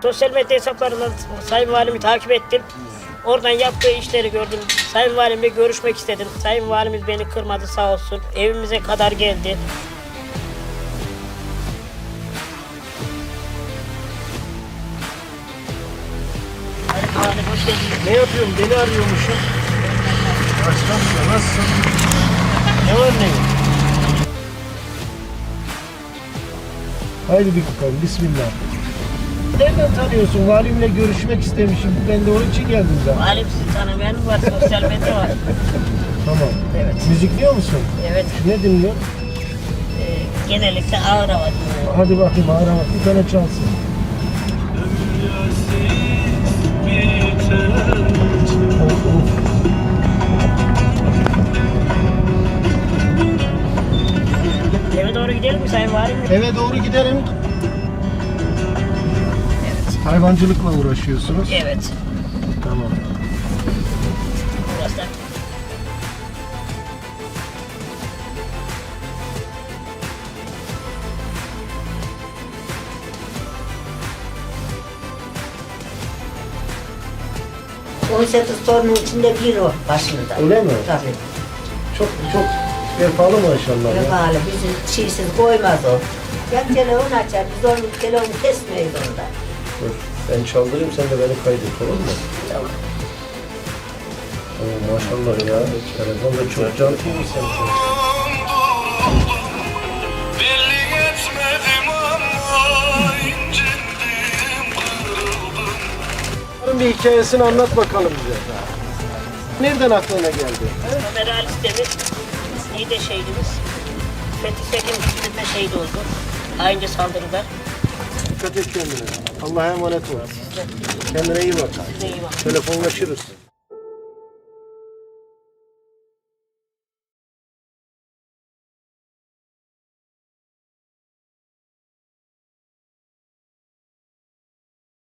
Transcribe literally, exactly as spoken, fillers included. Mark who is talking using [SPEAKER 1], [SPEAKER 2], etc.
[SPEAKER 1] Sosyal medya hesaplarından Sayın Valimi takip ettim. Oradan yaptığı işleri gördüm. Sayın Valimle görüşmek istedim. Sayın Valimiz beni kırmadı sağ olsun. Evimize kadar geldi. Sayın Valim hoş geldiniz.
[SPEAKER 2] Ne yapıyorum? Beni arıyormuşum. Başkanım nasılsın?
[SPEAKER 1] Ne var ne yok?
[SPEAKER 2] Haydi bir bakalım. Bismillah. Nereden tanıyorsun? Valimle görüşmek istemişim. Ben de onun için geldim zaten.
[SPEAKER 1] Valim sizi tanımayan mı var? Sosyal medya var.
[SPEAKER 2] Tamam.
[SPEAKER 1] Evet.
[SPEAKER 2] Müzik diyor musun?
[SPEAKER 1] Evet.
[SPEAKER 2] Ne dinliyorsun?
[SPEAKER 1] Ee, genellikle ağır hava dinliyorum.
[SPEAKER 2] Hadi bakayım ağır bak. Bir tane çalsın. Of, of.
[SPEAKER 1] Eve doğru gidelim mi Sayın Valim?
[SPEAKER 2] Eve doğru gidelim.
[SPEAKER 1] Evet.
[SPEAKER 2] Hayvancılıkla uğraşıyorsunuz.
[SPEAKER 1] Evet.
[SPEAKER 2] Tamam.
[SPEAKER 1] Burası da
[SPEAKER 3] on sekiz torunun içinde bir o başında.
[SPEAKER 2] Öyle mi?
[SPEAKER 3] Tabii.
[SPEAKER 2] Çok çok vefalı maşallah ya.
[SPEAKER 3] Vefalı. Bizi çiğsiz koymaz o. Ya telefon açar, biz onun telefonu kesmeyiz onda.
[SPEAKER 2] Dur. Ben çaldırayım sen de beni kaydet olur mu?
[SPEAKER 3] Tamam.
[SPEAKER 2] Oo, maşallah ya. Telefon da çok can iyi sen.
[SPEAKER 4] Belli etmedim ama incindim, kırıldım.
[SPEAKER 2] Bunun bir hikayesini anlat bakalım bize. Nereden aklına geldi?
[SPEAKER 1] Ömer Ali Demir, Niğde şehidimiz. Fethi Sekin bitirme şehit oldu. Aynı saldırıda.
[SPEAKER 2] Dikkat et kendine. Allah'a emanet ol. Kendine iyi bak.
[SPEAKER 1] Size iyi bakın.
[SPEAKER 2] Telefonlaşırız.